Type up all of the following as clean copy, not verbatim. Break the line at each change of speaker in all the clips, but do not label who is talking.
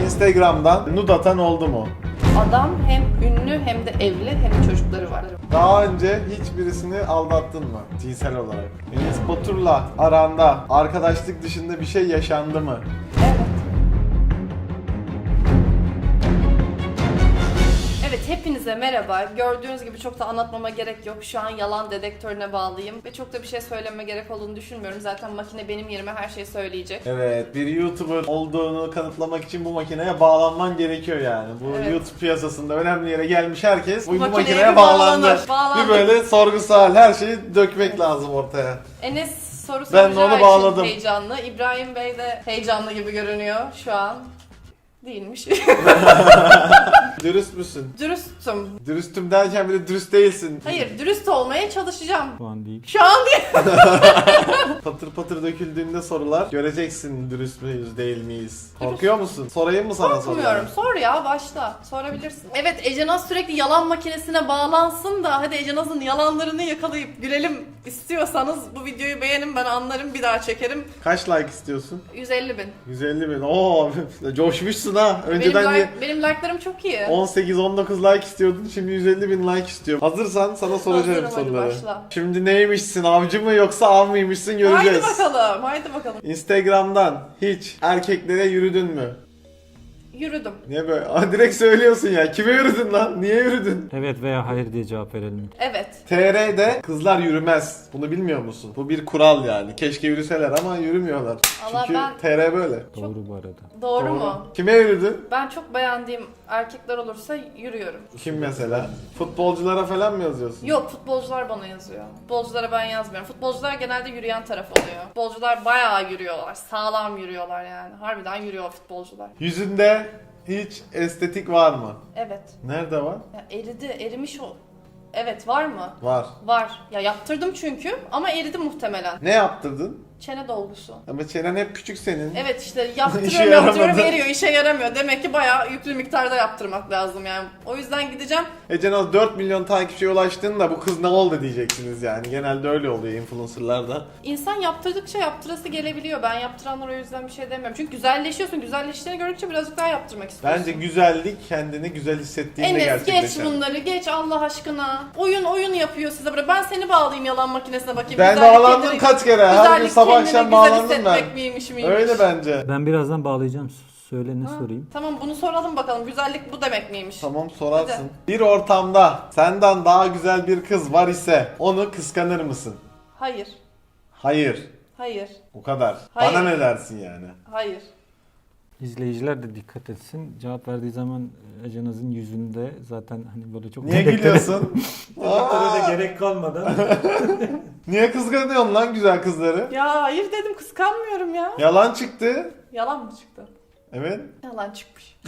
Instagram'dan nude atan oldu mu?
Adam hem ünlü hem de evli hem de çocukları var.
Daha önce hiç birisini aldattın mı cinsel olarak? Enes Batur'la aranda arkadaşlık dışında bir şey yaşandı mı?
Evet. Evet, hepinize merhaba. Gördüğünüz gibi çok da anlatmama gerek yok. Şu an yalan dedektörüne bağlıyım ve çok da bir şey söylememe gerek olduğunu düşünmüyorum. Zaten makine benim yerime her şeyi söyleyecek.
Evet, bir YouTuber olduğunu kanıtlamak için bu makineye bağlanman gerekiyor yani. Bu
Evet.
YouTube piyasasında önemli yere gelmiş herkes bu
makineye
makineye
bir
bağlandı.
bağlanır.
Bir böyle sorgusal her şeyi dökmek lazım ortaya.
Enes soru
Ben de
soracağı
onu
için
bağladım.
heyecanlı. İbrahim Bey de heyecanlı gibi görünüyor şu an. Değilmiş.
Dürüst müsün?
Dürüstüm.
Dürüstüm derken bile dürüst değilsin.
Hayır, dürüst olmaya çalışacağım.
Şu an değil.
Şu an değil.
Patır patır döküldüğünde sorular göreceksin dürüst müyüz değil miyiz? Korkuyor musun? Sorayım mı sana
Korkmuyorum.
soruları?
Sor ya, başla. Sorabilirsin. Evet, Ece Naz sürekli yalan makinesine bağlansın da hadi Ece Naz'ın yalanlarını yakalayıp gülelim istiyorsanız bu videoyu beğenin, ben anlarım, bir daha çekerim.
Kaç like istiyorsun?
150 bin.
150 bin. Oo, coşmuşsun ha. Önceden
Benim like'larım çok iyi.
18-19 like istiyordun, şimdi 150 bin like istiyorum. Hazırsan sana soracağım
Hazırım, hadi
soruları.
başla.
Şimdi neymişsin, avcı mı yoksa av mıymışsın göreceğiz.
Haydi bakalım.
Instagram'dan hiç erkeklere yürüdün mü?
Yürüdüm.
Niye böyle? Aa, direkt söylüyorsun ya. Kime yürüdün lan? Niye yürüdün?
Evet veya hayır diye cevap verelim.
Evet.
TR'de kızlar yürümez. Bunu bilmiyor musun? Bu bir kural yani. Keşke yürüseler ama yürümüyorlar.
Allah,
Çünkü
ben-
TR böyle.
Doğru bu arada.
Doğru mu?
Kime yürüdün?
Ben çok beğendiğim erkekler olursa yürüyorum.
Kim mesela? Futbolculara falan mı yazıyorsun?
Yok, futbolcular bana yazıyor. Futbolculara ben yazmıyorum. Futbolcular genelde yürüyen taraf oluyor. Futbolcular bayağı yürüyorlar. Sağlam yürüyorlar yani. Harbiden yürüyor futbolcular.
Yüzünde hiç estetik var mı?
Evet.
Nerede var?
Ya erimiş o. Evet, var mı?
Var.
Var. Ya yaptırdım çünkü ama eridi muhtemelen.
Ne yaptırdın?
Çene dolgusu.
Ama çenen hep küçük senin.
Evet işte
İşe
yaptırıyorum
yaramadı.
eriyor, işe yaramıyor. Demek ki bayağı yüklü miktarda yaptırmak lazım yani. O yüzden gideceğim.
Ece Naz 4 milyon takipçiye ulaştığında bu kız ne oldu diyeceksiniz yani. Genelde öyle oluyor influencerlarda.
İnsan yaptırdıkça yaptırası gelebiliyor. Ben yaptıranlara o yüzden bir şey demiyorum. Çünkü güzelleşiyorsun. Güzelleştiğini gördükçe birazcık daha yaptırmak istiyorsun.
Bence güzellik kendini güzel hissettiğinde
Enes
gerçekleşen.
geç bunları, geç Allah aşkına. Oyun yapıyor size böyle. Ben seni bağlayayım yalan makinesine bakayım.
Ben
Güzellik
bağlandım
kendini-
kaç kere. Her gün
güzellik
sabah
kendini
akşam
güzel
bağlandım ben.
hissetmek miymiş.
Öyle bence.
Ben birazdan bağlayacağım. Söyle ne sorayım.
Tamam, bunu soralım bakalım. Güzellik bu demek miymiş?
Tamam sorarsın.
Hadi.
Bir ortamda senden daha güzel bir kız var ise onu kıskanır mısın?
Hayır.
Hayır.
Hayır.
O kadar.
Hayır.
Bana ne dersin yani?
Hayır.
İzleyiciler de dikkat etsin. Cevap verdiği zaman Ece Naz'ın yüzünde zaten hani böyle çok...
Niye gülüyorsun?
Dedektöre de gerek kalmadan.
Niye kıskanıyorsun lan güzel kızları?
Ya hayır dedim, kıskanmıyorum ya.
Yalan çıktı.
Yalan mı çıktı?
Evet.
Yalan çıkmış.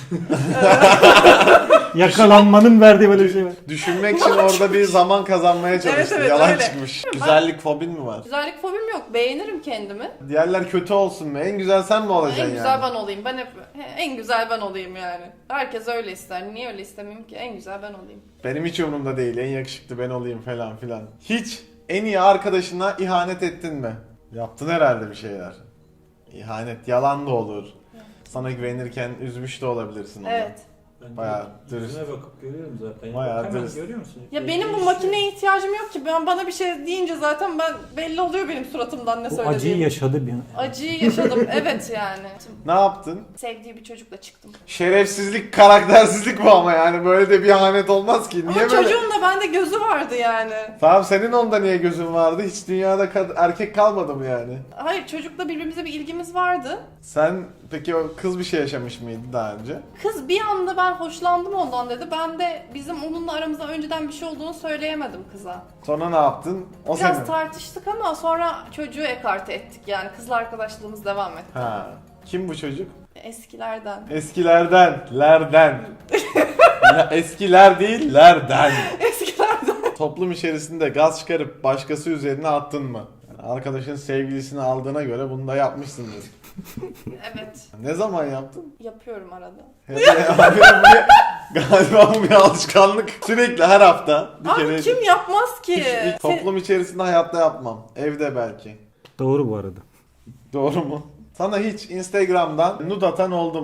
Yakalanmanın verdiği böyle bir şey var.
Düşünmek için orada bir zaman kazanmaya çalıştı.
Evet,
Yalan
öyle.
çıkmış. Güzellik fobin mi var?
Güzellik fobim yok. Beğenirim kendimi.
Diğerler kötü olsun mu? En güzel sen mi olacaksın
En
yani?
güzel ben olayım. Ben hep en güzel ben olayım yani. Herkes öyle ister. Niye öyle istemeyeyim ki? En güzel ben olayım.
Benim hiç umurumda değil. En yakışıklı ben olayım falan filan. Hiç en iyi arkadaşına ihanet ettin mi? Yaptın herhalde bir şeyler. İhanet yalan da olur. Sana güvenirken üzmüş de olabilirsin onu.
Evet.
Bayağı dürüst.
Yüzüne bakıp görüyorum zaten.
Bayağı
Hemen
dürüst.
görüyor musun?
Ya benim bu makineye ihtiyacım yok ki. Bana bir şey deyince zaten belli oluyor benim suratımdan ne
Bu
söylediğim.
acıyı yaşadı bir.
Acıyı yaşadım. Evet yani.
Ne yaptın?
Sevdiği bir çocukla çıktım.
Şerefsizlik, karaktersizlik bu ama yani böyle de bir ihanet olmaz ki. Niye
Ama
böyle?
çocuğun da bende gözü vardı yani.
Tamam senin onda niye gözün vardı? Hiç dünyada erkek kalmadı mı yani?
Hayır, çocukla birbirimize bir ilgimiz vardı.
Sen peki o kız bir şey yaşamış mıydı daha önce?
Kız bir anda ben hoşlandım ondan dedi. Ben de bizim onunla aramızda önceden bir şey olduğunu söyleyemedim kıza.
Sonra ne yaptın? O
Biraz
senin.
tartıştık ama sonra çocuğu ekarte ettik yani. Kızla arkadaşlığımız devam etti.
Ha. Kim bu çocuk?
Eskilerden.
Eskilerden, lerden. Ya eskiler değil, lerden.
Eskilerden.
Toplum içerisinde gaz çıkarıp başkası üzerine attın mı? Yani arkadaşın sevgilisini aldığına göre bunu da yapmışsındır.
Evet.
Ne zaman yaptın?
Yapıyorum arada.
Abi, galiba bu bir alışkanlık. Sürekli her hafta bir
Abi
kere.
kim yapmaz ki?
Toplum içerisinde hayatta yapmam. Evde belki.
Doğru bu arada.
Doğru mu? Sana hiç Instagram'dan nude atan oldu mu?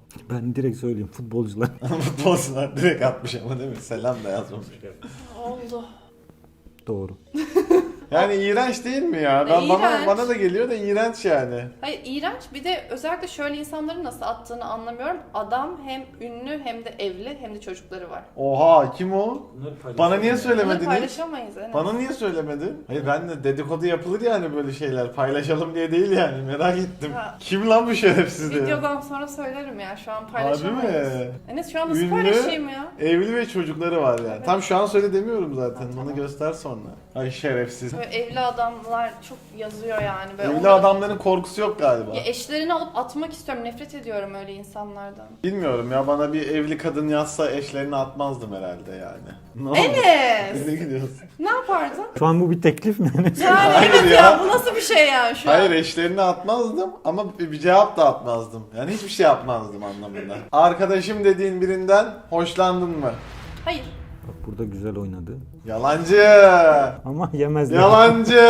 Ben direkt söyleyeyim, futbolcular.
Futbolcular direkt atmış ama değil mi? Selam da yazmamış.
Oldu.
Doğru.
Yani iğrenç değil mi ya? Ben
İğrenç.
bana da geliyor da iğrenç yani.
Hayır, iğrenç. Bir de özellikle şöyle insanların nasıl attığını anlamıyorum. Adam hem ünlü hem de evli hem de çocukları var.
Oha, kim o? Bana niye
Bunu
söylemedin hiç?
paylaşamayız. Enes.
Bana niye söylemedin? Hayır, ben de dedikodu yapılır yani böyle şeyler. Paylaşalım diye değil yani, merak ettim.
Ha.
Kim lan bu şerefsiz diye.
Videodan sonra söylerim ya. Şu an
Harbi
paylaşamayız.
mi?
Enes şu an nasıl
Ünlü,
paylaşayım ya?
evli ve çocukları var yani.
Evet.
Tam şu an söyle demiyorum zaten.
Ha,
Bunu
tamam.
göster sonra. Ay şerefsiz.
Böyle evli adamlar çok yazıyor yani. Böyle
Evli
onları-
adamların korkusu yok galiba.
Ya eşlerini alıp atmak istiyorum. Nefret ediyorum öyle insanlardan.
Bilmiyorum ya, bana bir evli kadın yazsa eşlerini atmazdım herhalde yani. Ne oldu?
Enes!
Ne gidiyorsun?
Ne yapardın?
Şu an bu bir teklif mi?
Yani
Hayır
evet
ya.
ya. Bu nasıl bir şey yani şu
Hayır,
an?
eşlerini atmazdım ama bir cevap da atmazdım. Yani hiçbir şey yapmazdım anlamında. Arkadaşım dediğin birinden hoşlandın mı?
Hayır.
Bak burada güzel oynadı.
Yalancı!
Ama yemezler.
Yalancı!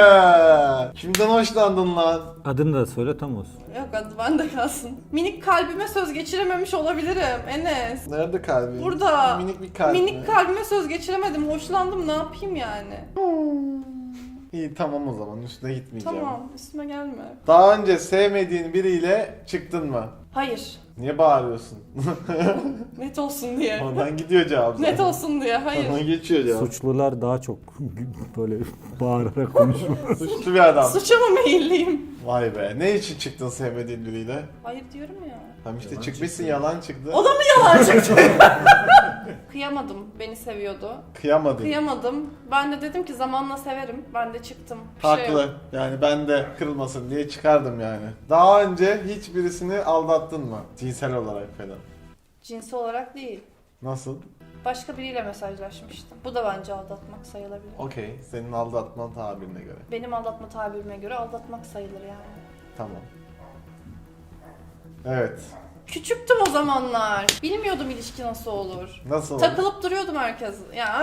Kimden hoşlandın lan?
Adını da söyle tam olsun.
Yok hadi bende kalsın. Minik kalbime söz geçirememiş olabilirim Enes.
Nerede kalbin?
Burada.
Minik bir kalp mi?
Minik kalbime söz geçiremedim. Hoşlandım, ne yapayım yani?
İyi, tamam o zaman, üstüne gitmeyeceğim.
Tamam, üstüme gelme.
Daha önce sevmediğin biriyle çıktın mı?
Hayır.
Niye bağırıyorsun?
Net olsun diye.
Oradan gidiyor cevap.
Net
zaten.
olsun diye. Hayır.
Oradan geçiyor cevap.
Suçlular daha çok böyle bağırarak konuşuyor.
Suçlu bir adam.
Suça mı meyilliyim?
Vay be. Ne için çıktın sevmediğin biriyle?
Hayır diyorum ya.
Tam işte
Yalan
çıkmışsın,
çıktı.
yalan çıktı.
O da mı yalan çıktı? Kıyamadım. Beni seviyordu.
Kıyamadın.
Kıyamadım. Ben de dedim ki zamanla severim. Ben de çıktım. Bir şey
Haklı.
yok.
Yani ben de kırılmasın diye çıkardım yani. Daha önce hiç birisini aldattın mı? Cinsel olarak falan.
Cinsi olarak değil.
Nasıl?
Başka biriyle mesajlaşmıştım. Bu da bence aldatmak sayılabilir.
Okey. Senin aldatma tabirine göre.
Benim aldatma tabirime göre aldatmak sayılır yani.
Tamam. Evet.
Küçüktüm o zamanlar. Bilmiyordum ilişki nasıl olur.
Nasıl oldu?
Takılıp duruyordum herkes. Ya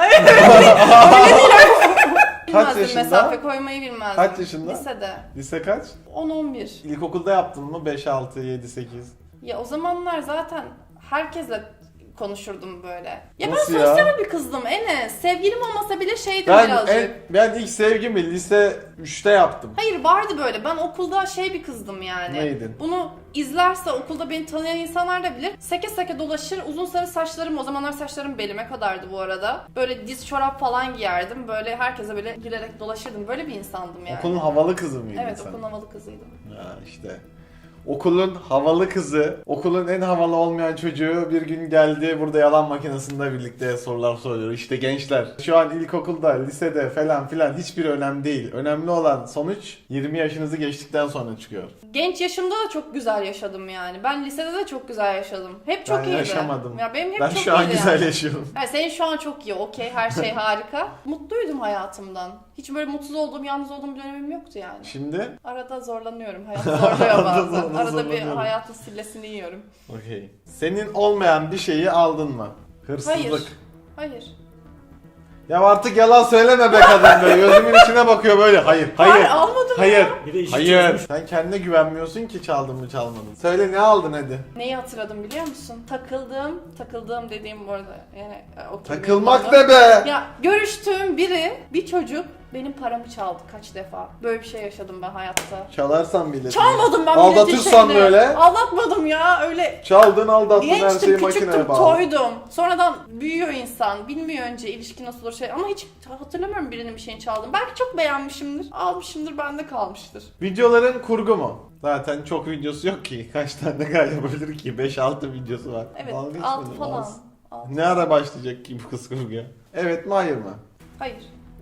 Kaç
bilmezdim,
yaşında?
mesafe koymayı bilmezdim.
Kaç yaşında?
Lisede.
Lise kaç?
10-11.
İlkokulda yaptın mı? 5, 6, 7, 8.
Ya o zamanlar zaten herkesle konuşurdum böyle. Ya
Nasıl
ben
ya?
sosyal bir kızdım Enes. Sevgilim olmasa bile şeydim birazcık.
Ben ilk sevgimi lise 3'te yaptım.
Hayır vardı böyle. Ben okulda şey bir kızdım yani.
Neydin?
Bunu izlerse okulda beni tanıyan insanlar da bilir. Seke seke dolaşır. Uzun sarı saçlarım, o zamanlar saçlarım belime kadardı bu arada. Böyle diz çorap falan giyerdim. Böyle herkese böyle gülerek dolaşırdım. Böyle bir insandım yani.
Okulun havalı kızı mıydın
Evet,
sen?
okulun havalı kızıydım.
Ya işte. Okulun havalı kızı, okulun en havalı olmayan çocuğu bir gün geldi burada yalan makinesinde birlikte sorular soruyor. İşte gençler şu an ilkokulda, lisede falan filan hiçbir önemli değil. Önemli olan sonuç 20 yaşınızı geçtikten sonra çıkıyor.
Genç yaşımda da çok güzel yaşadım yani. Ben lisede de çok güzel yaşadım. Hep çok
Ben
iyiydi.
yaşamadım.
Ya benim hep
Ben
çok
şu an
iyiydi
güzel
yani.
yaşıyorum.
Yani senin şu an çok iyi, okey, her şey harika. Mutluydum hayatımdan. Hiç böyle mutsuz olduğum, yalnız olduğum bir dönemim yoktu yani.
Şimdi
Arada zorlanıyorum, hayat zorluyor
Arada
bazen. Arada bir
zorlanıyorum.
hayatın sillesini yiyorum.
okey. Senin olmayan bir şeyi aldın mı? Hırsızlık.
Hayır. Hayır.
Ya artık yalan söyleme be kadın be. Gözümün içine bakıyor böyle. Hayır.
Hayır, almadım
Hayır.
ya.
Bir de işi
Hayır.
çözmüş.
Sen kendine güvenmiyorsun ki çaldın mı çalmadın. Söyle ne aldın hadi.
Neyi hatırladım biliyor musun? Takıldığım dediğim bu arada yani okey.
Takılmak
benim
ne be?
Ya görüştüğüm bir çocuk benim paramı çaldı kaç defa. Böyle bir şey yaşadım ben hayatta.
Çalarsan bile.
Çalmadım ben
Aldatırsan
milletin
böyle.
şeyini. Aldatmadım ya öyle.
Çaldın aldattın her şeyi
Gençtim,
makineye
küçüktüm,
bağlı.
toydum. Sonradan büyüyor insan. Bilmiyor önce ilişki nasıl olur şey. Ama hiç hatırlamıyorum birinin bir şeyini çaldım. Belki çok beğenmişimdir. Almışımdır, bende kalmıştır.
Videoların kurgu mu? Zaten çok videosu yok ki. Kaç tane yapabilir ki? 5-6 videosu var.
Evet,
Dalga
6
geçmedim,
falan.
az.
Altı.
Ne ara başlayacak ki bu kız kurguya? Evet mi hayır mı?
Hayır.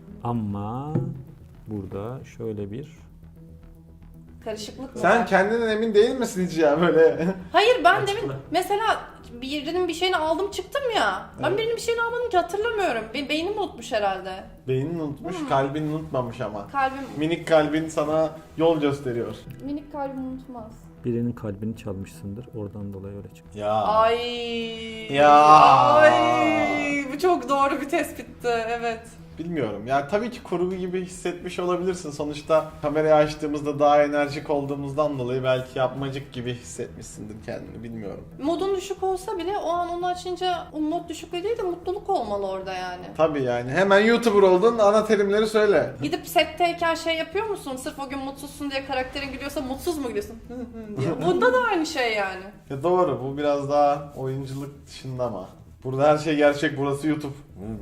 Ama burada şöyle bir
Karışıklık mı
Sen
var?
kendinden emin değil misin hiç ya böyle?
Hayır ben
Açıkla.
demin mesela birinin bir şeyini aldım çıktım ya. Ben
Evet.
birinin bir şeyini almadım ki hatırlamıyorum. Beynim unutmuş herhalde.
Beynin unutmuş,
Hmm.
kalbin unutmamış ama.
Kalbim,
Minik kalbin sana yol gösteriyor.
minik kalbim unutmaz.
birinin kalbini çalmışsındır. Oradan dolayı öyle çıktı.
Ya.
Ay.
Ya.
Ay. Bu çok doğru bir tespitti. Evet.
Bilmiyorum. Yani tabii ki kurgu gibi hissetmiş olabilirsin. Sonuçta kamerayı açtığımızda daha enerjik olduğumuzdan dolayı belki yapmacık gibi hissetmişsindir kendini, bilmiyorum.
Modun düşük olsa bile o an onu açınca o mod düşüklüğü değil de mutluluk olmalı orada yani.
Tabii yani. Hemen YouTuber oldun, ana terimleri söyle.
Gidip setteyken şey yapıyor musun? Sırf o gün mutsuzsun diye karakterin gülüyorsa mutsuz mu gülüyorsun? diye. Bunda da aynı şey yani.
Ya doğru, bu biraz daha oyunculuk dışında ama. Burada her şey gerçek, burası YouTube.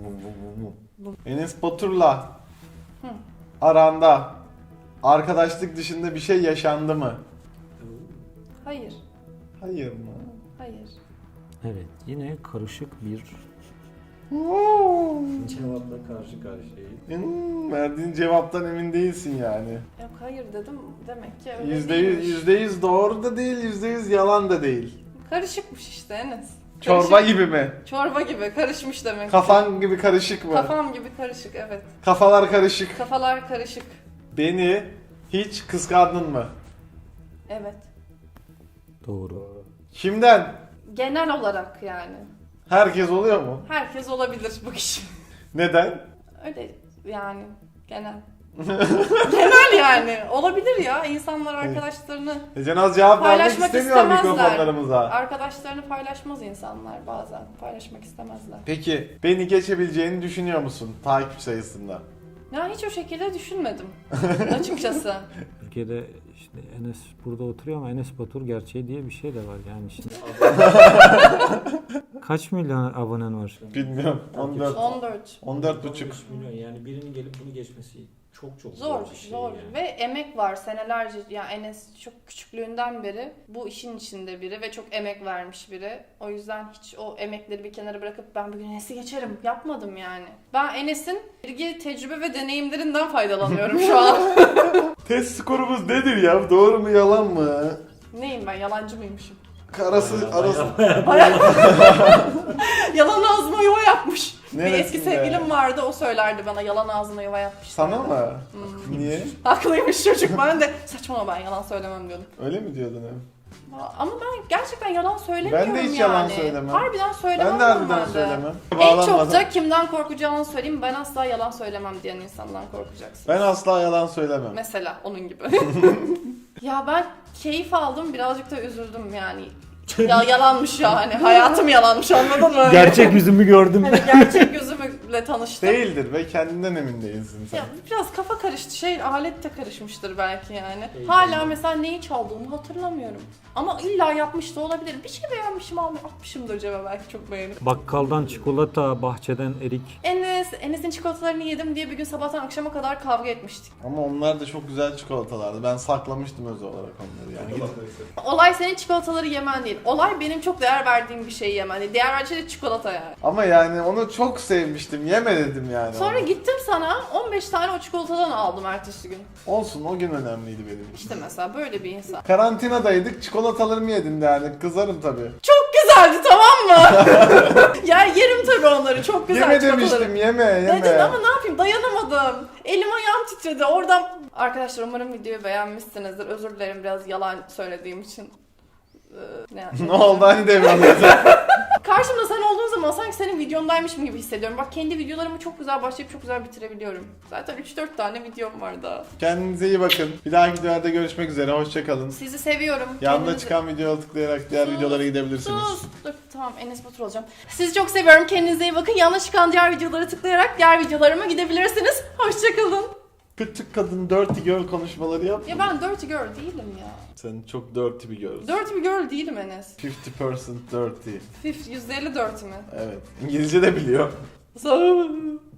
Enes Batur'la aranda arkadaşlık dışında bir şey yaşandı mı?
Hayır.
Hayır mı?
Hayır.
Evet, yine karışık bir cevapla karşı karşıyayız.
Verdiğin cevaptan emin değilsin yani.
Yok hayır dedim. Demek ki öyle
%100,
değilmiş.
%100 doğru da değil, %100 yalan da değil.
Karışıkmış işte Enes.
Çorba
Karışık.
gibi mi?
Çorba gibi karışmış demek ki.
Kafan gibi karışık mı?
Kafam gibi karışık evet.
Kafalar karışık.
Kafalar karışık.
Beni hiç kıskandın mı?
Evet.
Doğru.
Kimden?
Genel olarak yani.
Herkes oluyor mu?
Herkes olabilir bu kişi.
Neden?
Öyle yani genel. Genel yani. Olabilir ya. İnsanlar arkadaşlarını
Cenaz cevap vermek
paylaşmak
istemiyor
istemezler.
mikrofonlarımıza.
Arkadaşlarını paylaşmaz insanlar bazen. Paylaşmak istemezler.
Peki beni geçebileceğini düşünüyor musun takip sayısında?
Ya hiç o şekilde düşünmedim açıkçası.
Türkiye'de işte Enes burada oturuyor ama Enes Batur gerçeği diye bir şey de var yani şimdi. Kaç milyon abonen var?
Bilmiyorum. 14.
14.
14 buçuk.
13 milyon yani birinin gelip bunu geçmesi çok
Zor,
bir şey
zor.
yani.
Ve emek var senelerce. Ya Enes çok küçüklüğünden beri bu işin içinde biri ve çok emek vermiş biri. O yüzden hiç o emekleri bir kenara bırakıp ben bugün Enes'i geçerim yapmadım yani. Ben Enes'in bilgi, tecrübe ve deneyimlerinden faydalanıyorum şu an.
Test skorumuz nedir ya? Doğru mu yalan mı?
Neyim ben, yalancı mıymışım?
Arası.
Yalan ağzıma yuva yapmış. Bir
Neresinde?
eski sevgilim vardı, o söylerdi bana yalan ağzına yuva yapmış.
Sana mı? Niye?
Haklıymış çocuk, ben de saçmalama ben yalan söylemem diyordum.
Öyle mi diyordun hep?
Ama ben gerçekten yalan söylemiyorum yani.
Ben de hiç yalan söylemem.
Harbiden söylemem
Ben de harbiden
normalde.
söylemem.
En çok
Bağlanmadan.
da kimden korkacağını söyleyeyim. Ben asla yalan söylemem diyen insandan korkacaksın.
Ben asla yalan söylemem.
Mesela onun gibi. Ya ben keyif aldım, birazcık da üzüldüm yani. Ya yalanmış yani. Hayatım yalanmış, anladın mı?
Gerçek yüzümü gördüm.
Hani gerçek yüzümle tanıştım.
Değildir ve kendinden emin değilsin sen.
Ya biraz kafa karıştı. Alet de karışmıştır belki yani.
İyi,
Hala
tamam.
mesela neyi çaldığımı hatırlamıyorum. Ama illa yapmış da olabilir. Bir şey beğenmişim atmışımdır cebe belki çok beğenip.
Bakkaldan çikolata, bahçeden erik.
Enes'in çikolatalarını yedim diye bir gün sabahtan akşama kadar kavga etmiştik.
Ama onlar da çok güzel çikolatalardı. Ben saklamıştım özel olarak onları yani. Gidip-
Olay senin çikolataları yemen değil. Olay benim çok değer verdiğim bir şeyi yemen değil. Değer verdiğim şey de çikolata yani.
Ama yani onu çok sevmiştim. Yeme dedim yani.
Sonra
ona.
gittim sana 15 tane o çikolatadan aldım ertesi gün.
Olsun, o gün önemliydi benim için.
İşte mesela böyle bir insan.
Karantinadaydık, çikolatalarımı yedin yani. Kızarım tabii.
Çok güzeldi, tamam mı? Ya yerim tabii onları. Çok güzel
Yeme
çikolataları.
demiştim, yeme.
Dedin ama ne yapayım, dayanamadım. Elim ayağım titredi oradan. Arkadaşlar umarım videoyu beğenmişsinizdir. Özür dilerim biraz yalan söylediğim için.
Ne oldu hani demiyorum.
Karşımda sen olduğun zaman sanki senin videondaymışım gibi hissediyorum. Bak kendi videolarımı çok güzel başlayıp çok güzel bitirebiliyorum. Zaten 3-4 tane videom var daha.
Kendinize iyi bakın. Bir dahaki videolarda görüşmek üzere. Hoşçakalın.
Sizi seviyorum.
Yanında
Kendinize-
çıkan videoya tıklayarak diğer
Sus,
videolara gidebilirsiniz.
Sus. Dur tamam, Enes Batur olacağım. Sizi çok seviyorum. Kendinize iyi bakın. Yanına çıkan diğer videoları tıklayarak diğer videolarıma gidebilirsiniz. Hoşçakalın.
Küçük kadın dirty girl konuşmaları yap.
Ya ben dirty girl değilim ya.
Sen çok dirty bir girl.
Dirty bir girl değilim Enes.
50% dirty.
%50 dirty mi?
Evet. İngilizce de biliyor.
Sağ